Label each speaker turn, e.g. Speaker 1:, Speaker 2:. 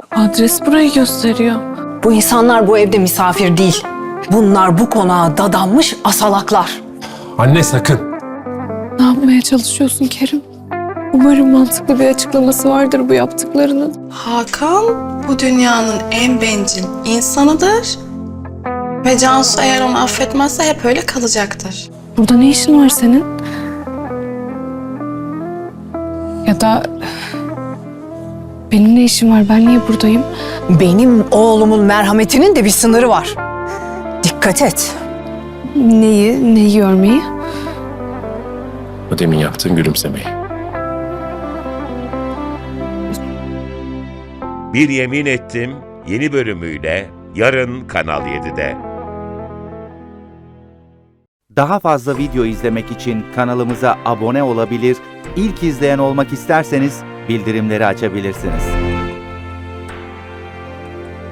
Speaker 1: Adres burayı gösteriyor.
Speaker 2: Bu insanlar bu evde misafir değil. Bunlar bu konağa dadanmış asalaklar.
Speaker 3: Anne sakın.
Speaker 1: Ne yapmaya çalışıyorsun Kerim? Umarım mantıklı bir açıklaması vardır bu yaptıklarının.
Speaker 4: Hakan bu dünyanın en bencil insanıdır. Ve Cansu eğer onu affetmezse hep öyle kalacaktır.
Speaker 1: Burada ne işin var senin? Ya da benim ne işim var? Ben niye buradayım?
Speaker 2: Benim oğlumun merhametinin de bir sınırı var. Dikkat et.
Speaker 1: Neyi görmeyi?
Speaker 3: O demin yaptığın gülümsemeyi.
Speaker 5: Bir Yemin Ettim yeni bölümüyle yarın Kanal 7'de.
Speaker 6: Daha fazla video izlemek için kanalımıza abone olabilir, ilk izleyen olmak isterseniz bildirimleri açabilirsiniz.